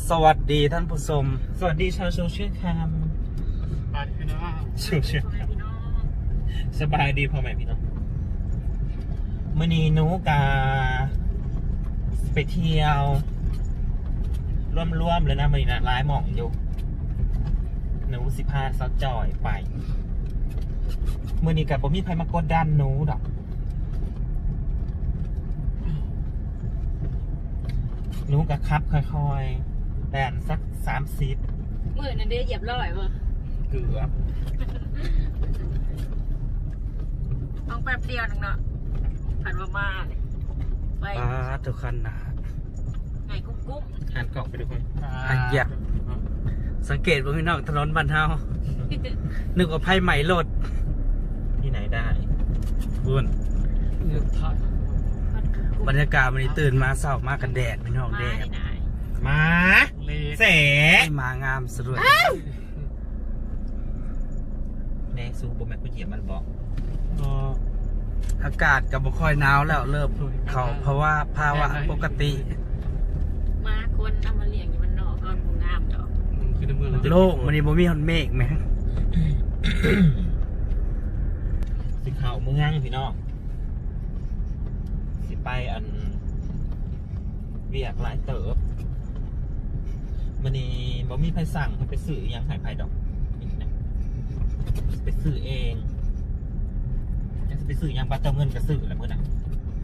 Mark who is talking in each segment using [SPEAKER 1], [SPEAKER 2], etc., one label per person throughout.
[SPEAKER 1] สวัสดีท่านผู้ชม
[SPEAKER 2] สวัสดีชาวโซเชียลแคมสบายดีพี่น้องโซเชียลแคมสบายดีพ่อแม่พี่น้องมื่อนี้หนูกาไปเที่ยวร่วมๆเลยนะมื่อนี้นะร้ายหม่องอยู่หนูสิพาซอจอยไปมื่อนี้กับผมมีใครมากดดันหนูดอกหนูกับครับค่อยๆแดนสัก30
[SPEAKER 3] มือนั่นเด้เหยียบร้อยมั้ง
[SPEAKER 2] เกือบ
[SPEAKER 3] ต้องแป๊บเดียวนึงเนาะผ่านมาไป
[SPEAKER 1] ทุกคันนะ
[SPEAKER 3] ไงกุ้ง
[SPEAKER 2] หันกล่องไปดูคน
[SPEAKER 1] อยากสังเกตว่าพี่น้องถนนบ้านเฮานึกว่าไพ่ใหม่รถ
[SPEAKER 2] ที่ไหนได้
[SPEAKER 1] บุญบรรยากาศวันนี้ตื่นมาเศร้ามากกันแดดพี่น้องแดด
[SPEAKER 2] มาเส
[SPEAKER 1] มางามสวย
[SPEAKER 2] แน่ซูบแม่กูเหยียบมันบอก
[SPEAKER 1] อากาศกับบ่ค่อยหนาวแล้วเริ่มเขาเพราะว่าภาวะปกติ
[SPEAKER 3] มาคนเอามาเลี้ยงอยู่มันนอกก็คงงามดอก
[SPEAKER 1] โลกมันนี่บ่มีฮอนเมฆไหม
[SPEAKER 2] สิข่าวเมืองพี่น้องสิไปอันเวียกหลายเติบมันนี่บ่มีใครสั่งให้ไปซื้อยังหายไผ่ดอกนี่นะไปซื้อเองจะไปซื้อยังปลาเจ้าเงินก็ซื้อแหละเมื่อน่ะ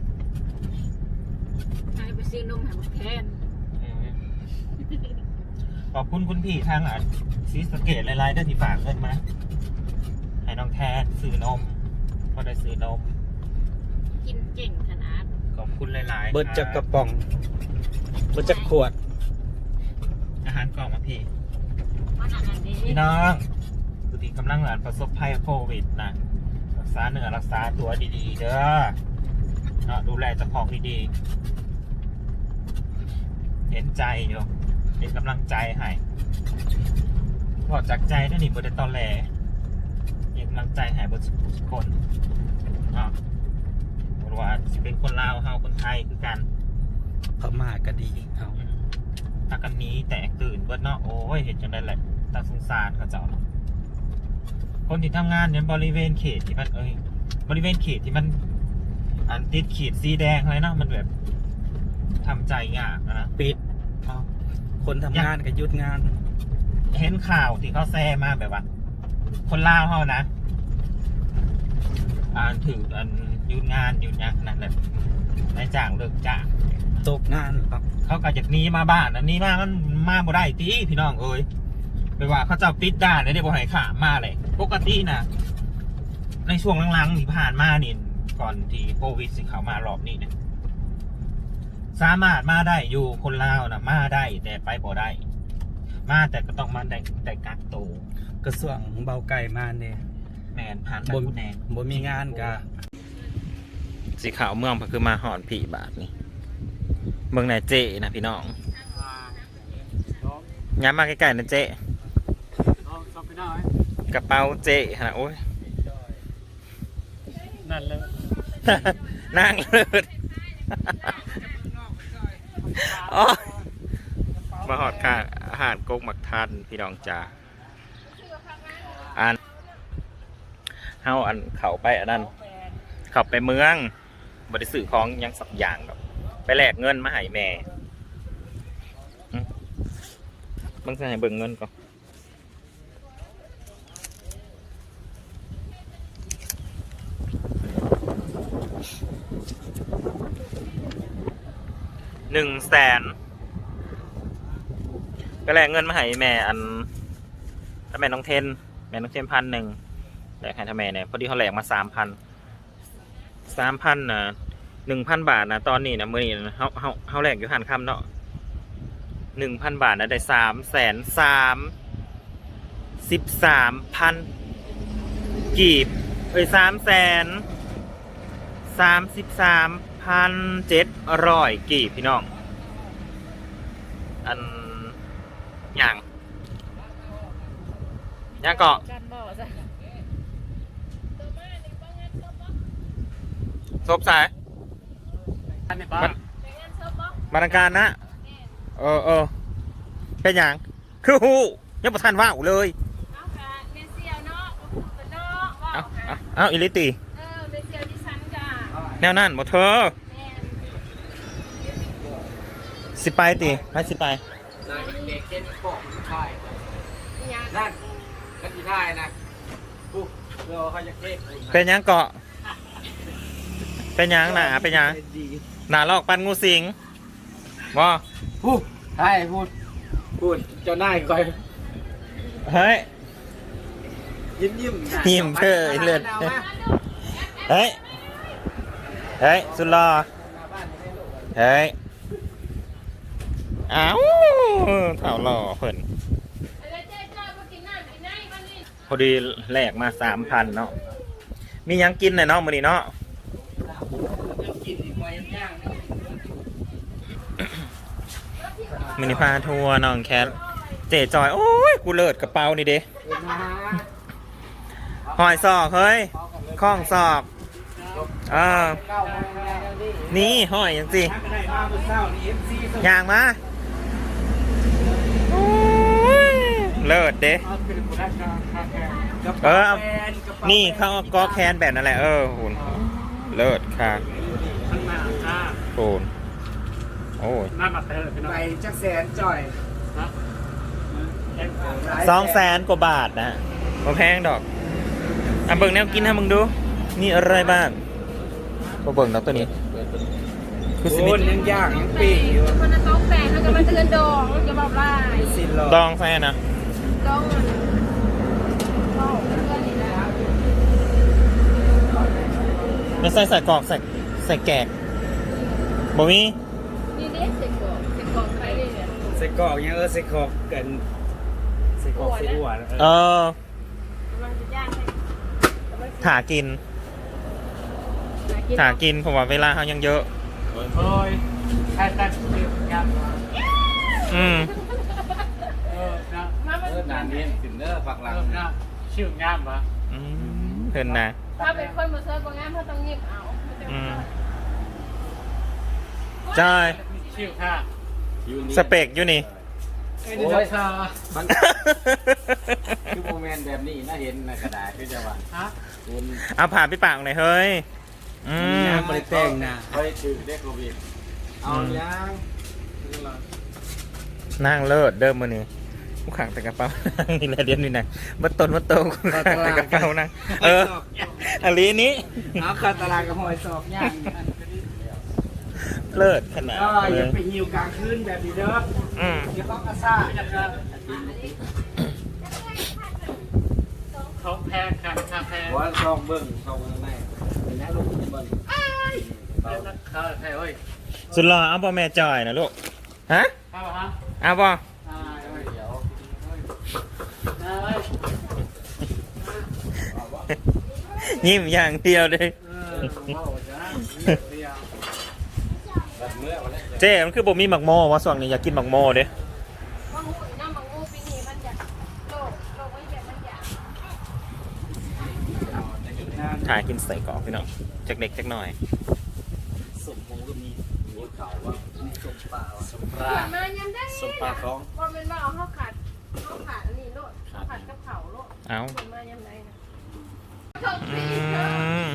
[SPEAKER 3] ไปซื้อนมหาแทน
[SPEAKER 2] ขอบคุณคุณพี่ทางซีสเกตหลายๆได้ที่ฝากเงินมาให้น้องแทนซื้อนมก็ได้ซื้อนม
[SPEAKER 3] กินเก่งขนาด
[SPEAKER 2] ขอบคุณหลายๆ
[SPEAKER 1] เบิดจากกระป๋องเบิดจากขวด
[SPEAKER 2] อาหารกล่องมาพี่น้องสุติกำลังประสบภัยโควิดนะรักษาเนื้อรักษาตัวดีๆเด้อเนาะดูแลเจ้าของดีๆเห็นใจอยู่เป็นกำลังใจให้พอจากใจนั่นนี่บริตอแหลเป็นกำลังใจให้บริสุทธิ์คนเนาะว่าสิเป็นคนลาวเฮาคนไทยคือกัน
[SPEAKER 1] พม่าก็ดีเอา
[SPEAKER 2] ถ้ากันนี้แตกตื่นเบิดเนาะโอ้ยเห็นจังได้แหละตาสงสารเขาเจ้าเนาะคนที่ทำงานเนี่ยบริเวณเขตที่มันบริเวณเขตที่มันติดขีดสีแดงอะไรเนาะมันแบบทำใจยากนะ
[SPEAKER 1] ปิดคนทำงานกับหยุดงาน
[SPEAKER 2] เห็นข่าวที่เขาแซ่มาแบบว่าคนลาวเขานะถือหยุดงานหยุดยักนั่นแหละนายจ้างเลิกจ้าง
[SPEAKER 1] ตกงาน
[SPEAKER 2] เขาก็จากนี้มาบ้านอันนี้มันมาบ่ได้ตีพี่น้องเอ้ยไปว่าเขาจะปิดด่านเลยเดี๋ยวบ่ให้ข่ามาเลยปกตินะในช่วงหลังๆที่ผ่านมานี่ก่อนที่โควิดสิเขามารอบนี้เนี่ยสามารถมาได้อยู่คนลาวนะมาได้แต่ไปบ่ได้มาแต่ก็ต้องมาได้แต่กักตัว
[SPEAKER 1] กระทรวงเบาไก่มาเนี่ย
[SPEAKER 2] แมนผ่านไปผู้แนง
[SPEAKER 1] บ่มีงานกะ
[SPEAKER 2] สีขาวเมืองก็คือมาหอนผีบาทนี่เมืองไหนเจนะพี่น้องย้ำมาใกล้ๆนะเจกระเป๋าเจฮะโอ้ย
[SPEAKER 1] นั่นเลย
[SPEAKER 2] นั่งเลยมาหอดข้างอาหารกกหมักทันพี่น้องจ้าเฮาเขาไปนั้นเขาไปเมืองบริสุทธิ์ของยังสักอย่างแบบไปแลกเงินมาให้แม่มึงจะให้เบิ่งเงินก่อน100,000ก็แลกเงินมาให้แม่ถ้าแม่น้องเทน1,000แลกให้ทำแม่เนี่ยพอดีเขาแลกมา3,000นะ1,000 บาทนะตอนนี้นะมื้อนี้เขาแลกอยู่หันคำเนาะ1,000 บาทนะได้333,000กีบ333,700 กีบพี่น้องอย่างเกาะซบสายบรรณาการนะไปเป็นหยังคือฮู้ยังบ่ทันว่าวเลย
[SPEAKER 3] เอาค่ะเมเซียวเนาะเป็นเนาะว่า
[SPEAKER 2] เอา
[SPEAKER 3] ค่ะ
[SPEAKER 2] เอาอิลิติ
[SPEAKER 3] เมเซียวที่ฉันจ้ะ
[SPEAKER 2] แนวนั้นบ่เธอ
[SPEAKER 3] แม่น
[SPEAKER 2] สิไปติไปสิไป
[SPEAKER 1] นายเด็กเก็ตปอกถ่าย
[SPEAKER 3] ยัง
[SPEAKER 1] นั่นกันที่ถ่ายนะปุ๊บเราเขาจะเก็บ
[SPEAKER 2] เป็นหยังเกาะเป็นหยังหนาเป็นหยัง
[SPEAKER 1] ดี
[SPEAKER 2] หนาลอกปันงูสิงบ่
[SPEAKER 1] พูดใช่พูดเจ้านายคอย
[SPEAKER 2] เฮ้ย
[SPEAKER 1] ยิ้ม
[SPEAKER 2] ยิ้มเธอเลือด เฮ้ยเฮ้ยสุดหล่อเฮ้ยอ้าวเถ่าหล่อเพิ่นพอดีแลกมา 3,000เนาะมีหยังกินหน่อยเนาะมื้อนี้เนาะ
[SPEAKER 1] กินอีกไว้ย่าง
[SPEAKER 2] มินิพาทัวร์น้องแคทเจ๊จอย โอ้ย กูเลิศกระเป๋านี่เด้หอยซอกเฮ้ยข้องซอกนี่หอยยังสิย่างมาโอ้ยเลิศเด้นี่เขาเอาก็แคนแบบนั่นแหละหุ่นเลิศค่ะหุ่นโอ้ย
[SPEAKER 1] ไปจักแสนจ่อย
[SPEAKER 2] 200,000 กว่าบาทนะบ่แพงดอกอ่ะเบิ่งแนวกินให้มึงดูนี่อะไรบ้างบ่เบิ่งดอกตัวนี้คือสิ
[SPEAKER 1] โอ้
[SPEAKER 2] มี
[SPEAKER 1] ยยังย่างยังปีกอยู่
[SPEAKER 3] คนนั้นต้องแปลงเขาจะมาเตือนดองจะบอกว่า
[SPEAKER 1] สินหรอ
[SPEAKER 2] ดองแฟนนะ
[SPEAKER 3] ดองเข้าเพื่อนนี่นะ
[SPEAKER 2] ไม่ใส่กรอกใส่แกกบ่มี
[SPEAKER 3] นี่เด็กเสกกอกใครเนี่ย
[SPEAKER 1] ใส่กรอกยังใส่กรอกกันใส่กรอกใส่หัว
[SPEAKER 2] เออก
[SPEAKER 3] ำลังจะย่างให้
[SPEAKER 2] ถากินถากินผมว่าเวลาเขายังเยอะ
[SPEAKER 1] โอ้ยใช่ใช่ชื่องาม
[SPEAKER 2] อืม
[SPEAKER 1] นะนานนี้ถึงเด้อฝักหลังชื่องามปะ
[SPEAKER 2] อืมเพิ่นนะ
[SPEAKER 3] ถ้าเป็นคนมาเซิร์ฟงานเขาต้องเงียบเอา
[SPEAKER 2] อืมใช่
[SPEAKER 1] ชื่อค่ะ
[SPEAKER 2] สเปกอยู่นี่
[SPEAKER 1] โอ้ยค่ะมันคือโมเมนต์แบบนี้น่าเห็นในกระดาษคือจะว่าฮะคุณ
[SPEAKER 2] เอาผ่าพี่ปากหน่อยเฮ้ยอืม
[SPEAKER 1] บริแต่งนะบริถือได้โควิดเอายัง
[SPEAKER 2] นั่งเลิศเดิมมือนี่กูขังแต่กระเป๋า นี่แหละเดียวนี่นะบัดต้นบัดโตกูขังแต่กระเป๋านั่งอันนี้
[SPEAKER 1] เอาคาตลาดกับหอยสอบย่าง
[SPEAKER 2] เลิศขนาด
[SPEAKER 1] ก็
[SPEAKER 2] เล
[SPEAKER 1] อย่าย ไปหิวกลางคืนแบบนี้เด้อ
[SPEAKER 2] อืม
[SPEAKER 1] อย่าต้องกระซ่า
[SPEAKER 4] เขาแพงค่ะค่าแพง
[SPEAKER 1] ว่าซองเบิ้งซองอะไรเป็นแม่ลูกเบิ้ง
[SPEAKER 4] เขาแพงเว้ย
[SPEAKER 2] สุดหล่อเอาบ่แม่จอยนะลูกฮะ
[SPEAKER 4] เข้าฮะ
[SPEAKER 2] เอาบ่
[SPEAKER 1] เดี๋ยว
[SPEAKER 2] ยิ้มอย่างเดียวเลย
[SPEAKER 1] แบบเมื่อวันนี้
[SPEAKER 2] เจ๊มันคือบ่มีหมักโมว่าส่วนนี้อยากกินหมักโมเด้
[SPEAKER 3] บางหูน้ำบางหูปีนี้มันจะโลกไม่แบบมันอยาก
[SPEAKER 2] ถ่ายกินใส่กรอกพี่น้องจากเด็กจากหน่อย
[SPEAKER 1] สมพงก็มีหัวเข่าว่ะมีสมปลาสมปลา
[SPEAKER 3] มายังได้
[SPEAKER 1] สมปลาท้อง
[SPEAKER 3] พอเป็นว่าเอาข้าวขาดอันนี้โลดข้าวขาดกับเผาโลด
[SPEAKER 2] เอา
[SPEAKER 3] คนมายังไงนะ
[SPEAKER 2] อืม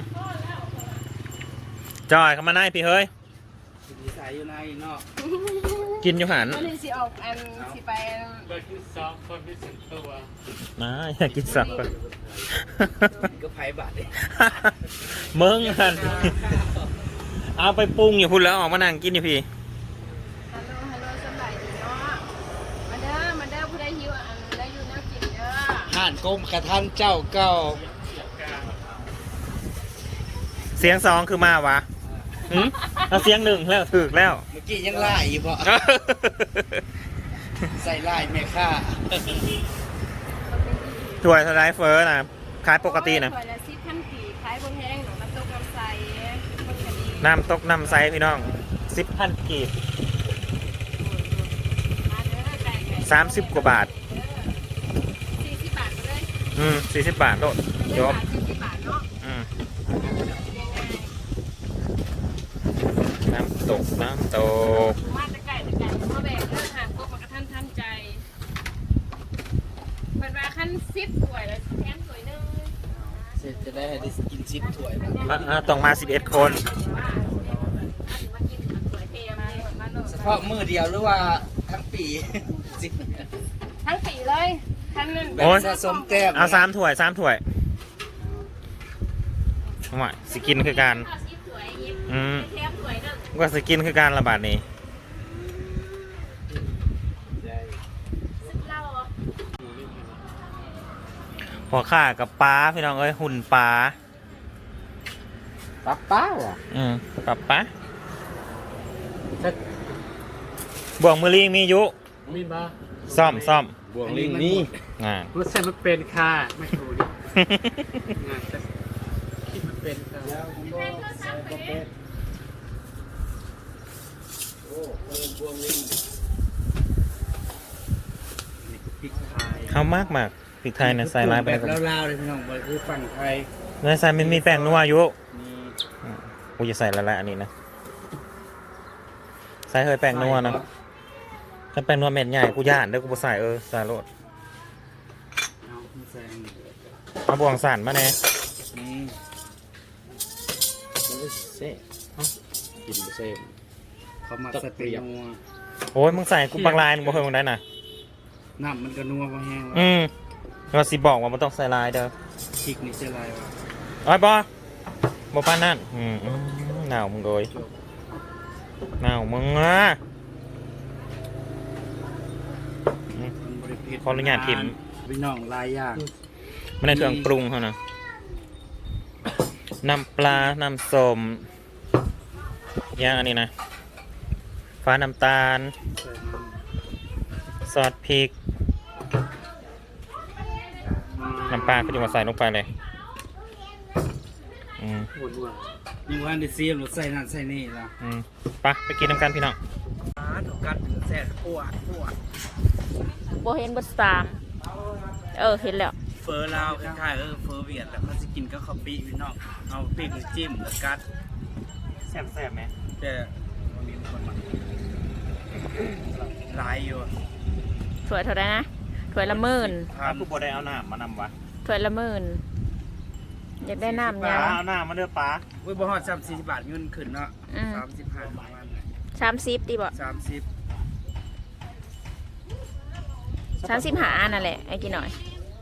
[SPEAKER 2] จอยเข้ามาได้พี่เฮ้ย
[SPEAKER 1] ดีใสอยู่ในเนาะ
[SPEAKER 2] กินอยู่หัน
[SPEAKER 3] วันนี้สิออกอันสิไป
[SPEAKER 4] โดยที่สองคนที่สิบตัว
[SPEAKER 2] มาอยากกินสักคน
[SPEAKER 1] ก็ไผ่บาทเลย
[SPEAKER 2] มึงหันเอาไปปรุงอยู่พุ่นแล้วออกมานั่งกินอยู่พี่
[SPEAKER 3] ฮัลโหลสบายดีเนาะมาเด้อผู้ใดหิวอันได้อยู่น้ำกินเด้อ
[SPEAKER 1] ห่านกรมกระทันเจ้าเก่า
[SPEAKER 2] เสียงสองคือมาวะหืมเอาเสียงหนึ่งแล้วถึกแล้ว
[SPEAKER 1] เมื่อกี้ยังไล่อยู่ บ่ใส่ไล่แม่ค่า
[SPEAKER 2] ถ้วยสไลด์เฟอร์นะขายปกตินะ
[SPEAKER 3] ถ้วยละ10,000กีบขายบนแห้งหนูน้ำตกน้ำใสคนคดี
[SPEAKER 2] น้ำตกน้ำไซพี่น้อง10,000 กีบ
[SPEAKER 3] มาเด้อไก่ไก่
[SPEAKER 2] 30 กว่าบาท
[SPEAKER 3] 40 บาทก็เลย
[SPEAKER 2] 40 บาทโลดจบ
[SPEAKER 3] 40 บาทเนาะ
[SPEAKER 2] อืม
[SPEAKER 3] ง่าย
[SPEAKER 2] น้ำตก
[SPEAKER 3] ๆมาแต่ไก่มาแบกเรื่องห่างกบมากระทันใจ 10ถ้วยแล้วแถมถ้วยนึง
[SPEAKER 1] เสร็จจะได้กินชิปถ้วย
[SPEAKER 2] ต้องมา11 คน
[SPEAKER 3] มากินถ้วยเทมาโล
[SPEAKER 1] เฉพาะมื้อเดียวหรือว่าทั้งปีสิ
[SPEAKER 3] ทั้งปีเลยทั้งนึง
[SPEAKER 1] แบบสะสมแต้ม
[SPEAKER 2] เอา3 ถ้วย3 ถ้วยว่าสิกินคือการ
[SPEAKER 3] 10ถ้วยยิบ
[SPEAKER 2] แถ
[SPEAKER 3] มถ้วยนึง
[SPEAKER 2] ว่าสิกินคือการระบาดนี้
[SPEAKER 3] ซึ่งเรา
[SPEAKER 2] หัวข่ากับปลาพี่น้องเอ้ยหุ่นปลา
[SPEAKER 1] ปั๊บป้าว่ะ
[SPEAKER 2] กับปลาบ่วงมือลิงมียุ
[SPEAKER 4] มีมา
[SPEAKER 2] ซ่อม
[SPEAKER 1] บวกลิงนี่
[SPEAKER 4] รถใช้มันเป็นค่ะไม่ถูกงานแต่คิดมันเป็นค่ะ
[SPEAKER 1] โอ้บวกลิง
[SPEAKER 4] นี่คือพริกไทย
[SPEAKER 2] เขามากพริกไทยนะใส่ลายไป
[SPEAKER 1] แบบลาวๆเลยพี่น้องมันคือฝั่งไทย
[SPEAKER 2] ในใส่มันมีแป้งนัวอยู่
[SPEAKER 1] มี
[SPEAKER 2] กูจะใส่ละอันนี้นะใส่เฮ้ยแป้งนัวนะถ้าแป้งนัวเม็ดใหญ่กูย่านเด้อกูบ่ใส่ใส่โลด
[SPEAKER 1] เอามาแซง
[SPEAKER 2] เอาบ่วงสั่นมาแน่
[SPEAKER 1] นี่มันก็เซ่กินเซ่เขามาสเตียนัว
[SPEAKER 2] โอ้ยมึงใส่กูบางลายมึงบ่เคยมึงได้น่ะ
[SPEAKER 1] น้ำมันก็นัวมาแห้งแล้ว
[SPEAKER 2] เราสิบอกว่ามันต้องใส่ลายเด้อ
[SPEAKER 1] พริกนี่เจลายวะ
[SPEAKER 2] โอ้ยบ่ปานนั่นหนาวมึงโดยหนาวมึงอ่ะ
[SPEAKER 1] มันบริเพ
[SPEAKER 2] ขออนุญาตทิม
[SPEAKER 1] พี่น้องลายย่าง
[SPEAKER 2] ไม่ได้เครื่องปรุงเขานะน้ำปลา น้ำส้มย่างอันนี้นะ ฟ้าน้ำตาล ซอสพริก น้ำปลาก็จะมาใส่ลงไปเลย
[SPEAKER 1] นี่ว่าในซีมรถใส่นั่นใส่นี่ละ
[SPEAKER 2] ไปกินน้ำกันพี่น้อง
[SPEAKER 1] ถูกกัดแซ่บปวด
[SPEAKER 3] โบเห็นเบอร์3เห็นแล้ว
[SPEAKER 1] เฟอร์ลาวคล้ายๆเฟอร์เวียดแต่เขาจะกินก็ข้าวปีพี่น้องเอาปีกหรือจิ้มหรือกัด
[SPEAKER 2] แซ่บไหม
[SPEAKER 1] แต่มันมีคนมาลายอยู่
[SPEAKER 3] ถ้วยเท่าไหร่นะถ้วยละหมื่น
[SPEAKER 2] ถ้าผู้บได้เอาน้ำมานำวะ
[SPEAKER 3] ถ้วยละหมื่นอยากได้น้ำยัง
[SPEAKER 2] เอาน้ำมาเด้อป้า
[SPEAKER 1] อุ้ยบ่ฮอด30 บาทเงินขึ้นเนาะ 35ประมาณ
[SPEAKER 3] 30ดีบ่
[SPEAKER 1] 30
[SPEAKER 3] 35อันนั่นแหละไอ้กี่หน่อย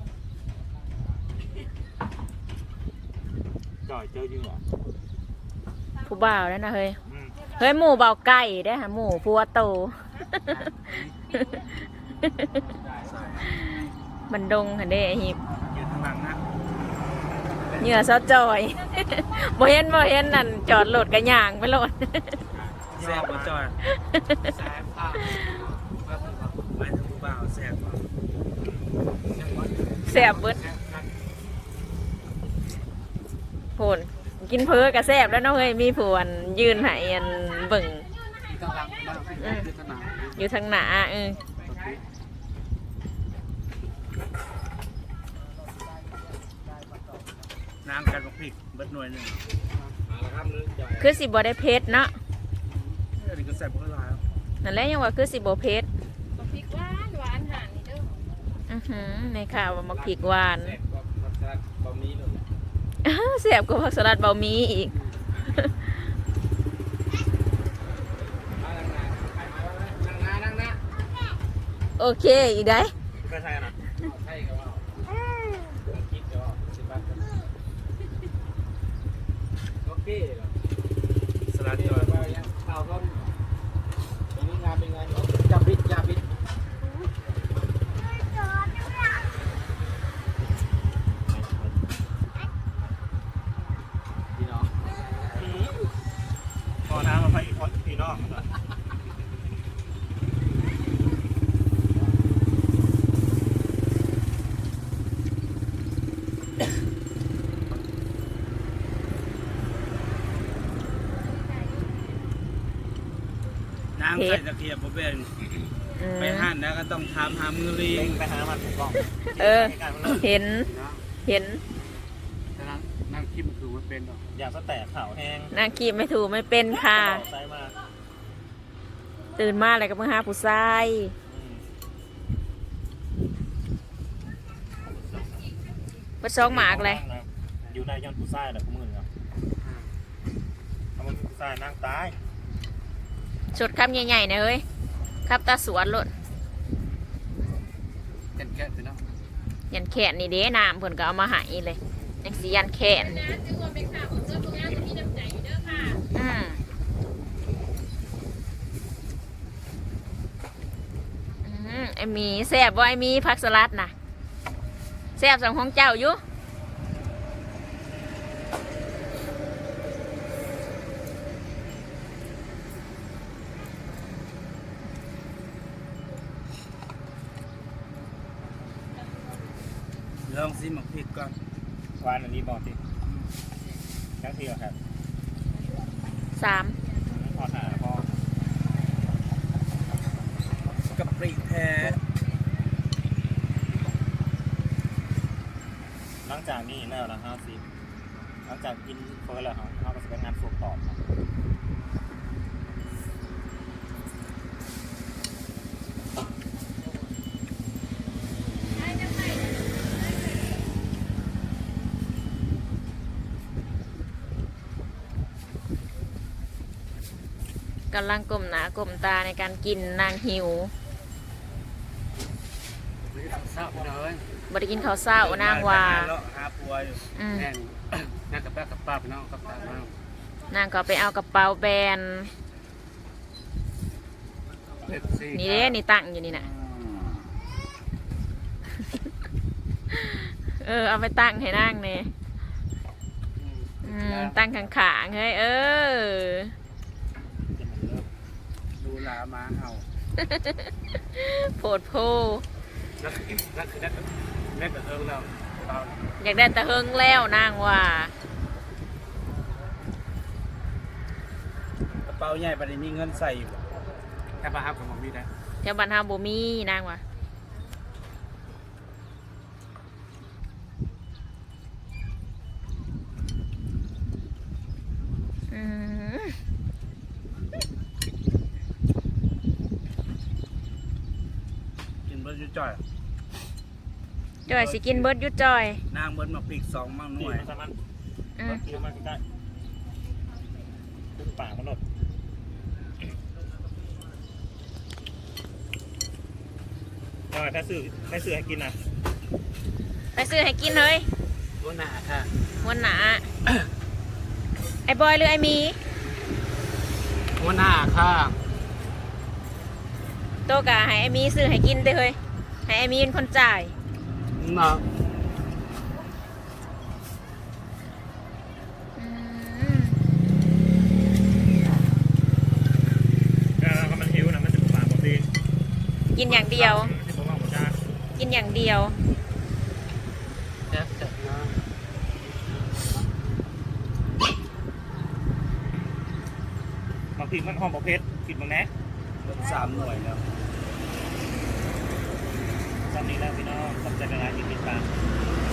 [SPEAKER 2] จ่อยเจอจริงเหรอ
[SPEAKER 3] ผู้บ่าวนั่นนะเฮ้ยเฮ้ยหมูเบาไก่ได้หาหมูพัวโต มันดงค่ะเด้ไอ้หิบ
[SPEAKER 1] อยู่ข้างหลังนะ
[SPEAKER 3] เหงื่อซอจอย บ่เห็นนั่นจอดรถกระย่างไปรถ
[SPEAKER 1] แซ่บบ่จอย
[SPEAKER 4] แซ่บค่ะ
[SPEAKER 1] ไม่ถึงผู้บ่าวแซ่บบ่
[SPEAKER 3] แซ่บเบิดโผนกินเพ้อกระแซ่บแล้วเนาะเฮ้ยมีผวนยืนให้อันเบิ่ง
[SPEAKER 1] กำลังมาคือสนาม
[SPEAKER 3] อยู่ทางหน้า
[SPEAKER 1] น้ำกันกับพริกเบิดหน่วยหนึง
[SPEAKER 3] คือสิบ่ได้เผ็ดเนาะ
[SPEAKER 1] อันนี้ก็แซ่บบ่หลาย
[SPEAKER 3] นั่นแหละยังว่าคือสิบ่เผ็ดพริกหวานหานนี่เด้อในข่าวว่ามักพริกหวานแซ่บกว่าผักสลัดเบามีอีก
[SPEAKER 1] นั่งนะ
[SPEAKER 3] โอเคอีกได้
[SPEAKER 2] เคยใช่นะ
[SPEAKER 1] ใช่ก็ว่าคิดก็10 บาทโอเคสลัดจอยข้าวก็เป็นงานเป็นไงจับบิดพี่น้อง
[SPEAKER 2] พอน้ำมาไปอีกคนพี่น้อง
[SPEAKER 1] น้ำใส่ตะเกียบบ่เป็นไปหั่นแล้วก็ต้องทำหามือลี
[SPEAKER 2] เล่งไปหามันถูกต้อง
[SPEAKER 3] เห็น
[SPEAKER 1] แต่นั่งคิดมันคือมันเป็นหรอ
[SPEAKER 2] อยากสแตกข่าวแห้ง
[SPEAKER 3] นางกีบไม่ถูกไม่เป็นค่ะ
[SPEAKER 2] ใส่มา
[SPEAKER 3] ตื่นมาอะไรก็มาหาผู้ชายเบิดซองหมากเลย
[SPEAKER 2] อยู่ในย้อนผู้ชายแหละผู้มือครับทำมันผู้ชายนั่งตาย
[SPEAKER 3] สดคำใหญ่ๆนะเฮ้ยครับตาสวนโลด
[SPEAKER 4] แก่ไปเนาะ
[SPEAKER 3] ยันแขนนี่เด้น้ำเพิ่นก็เอามาให้เลยยังสิยันแขนอืมไอ้หมีแซ่บบ่ไอ้หมีผักสลัดน่ะแซ่บสำของเจ้าอยู่
[SPEAKER 4] ลองซิหมักพริกก่อน
[SPEAKER 2] วานอันนี้บอกสิทั้งทีเหรอครับ
[SPEAKER 3] 3
[SPEAKER 2] พอหาพอก
[SPEAKER 4] ะปริแท้
[SPEAKER 2] หลังจากนี้แล้วนะ50หลังจากกินเฟิร์สแล้วเขาก็จะเป็นงานสูบต่อครับ
[SPEAKER 3] กำลังก้มหน้าก้มตาในการกินนางหิว
[SPEAKER 4] เศร้าเลย
[SPEAKER 3] บ่ได้กินข้าวเช้านางว่า
[SPEAKER 4] หาปัวอยู่
[SPEAKER 3] อืม
[SPEAKER 4] แน่นนั่งกับป้ากับป้าพี่น้องกับตาบ้าง
[SPEAKER 3] นางก็ไปเอากระเป๋าแบรนด์
[SPEAKER 4] เล็บซี่
[SPEAKER 3] นี่เด้นี่ตั้งอยู่นี่น่ะ เอาไปตั้งให้นางเนี่ยตั้งข้างๆเฮ้ย
[SPEAKER 4] ดูลามาเอา
[SPEAKER 3] โพดโพ
[SPEAKER 4] แล้วคือนั่นคือนั่นกับเอิงแล้วเรา
[SPEAKER 3] อยากได้ตะเฮิงแล้วนางว่า
[SPEAKER 4] กระเป๋าใหญ่ประเดี๋ยวมีเงินใส่อยู่แค่ป้าครับของผมมีนะ
[SPEAKER 3] แถวบ้านเฮาบ่มีนางว่าอืม
[SPEAKER 4] กินเบิร์ดยุ่จ่อย
[SPEAKER 3] จอยสิกินเบิดอยุจอย
[SPEAKER 4] นางเบิร์ดมาปีก2มั่งห
[SPEAKER 2] นี่
[SPEAKER 4] น่วย
[SPEAKER 2] มันสามารถ
[SPEAKER 3] อืม
[SPEAKER 2] เคี้ยวมันได้ขึ้นปากมันหลดถ้าซื้อให้กินนะ
[SPEAKER 3] ไปซื้อให้กินเลย
[SPEAKER 4] ตัวหนาค่ะ
[SPEAKER 3] วันหนา ไอ้บอยหรือไอ้หมี
[SPEAKER 4] ตัวหนาค่ะ
[SPEAKER 3] โตกะให้ไอ้หมีซื้อให้กินเด้อเฮ้ยให้ไอ้หมีเป็นคนจ่าย
[SPEAKER 4] เนาะ
[SPEAKER 3] อืม
[SPEAKER 2] ก็มันหิวนะมันจะปากหมดดี
[SPEAKER 3] กินอย่างเดียว
[SPEAKER 2] ที่ผมว่าหมดจ้า
[SPEAKER 3] กินอย่างเดียว
[SPEAKER 4] แซ่บจัดเนาะ
[SPEAKER 2] บางทีมันหอมประเภทกินบางแนะ
[SPEAKER 4] เบิร์ด3 หน่วยแล้ว
[SPEAKER 2] จำนี้แล้วพี่น้องจำใจเวลากินติดตาม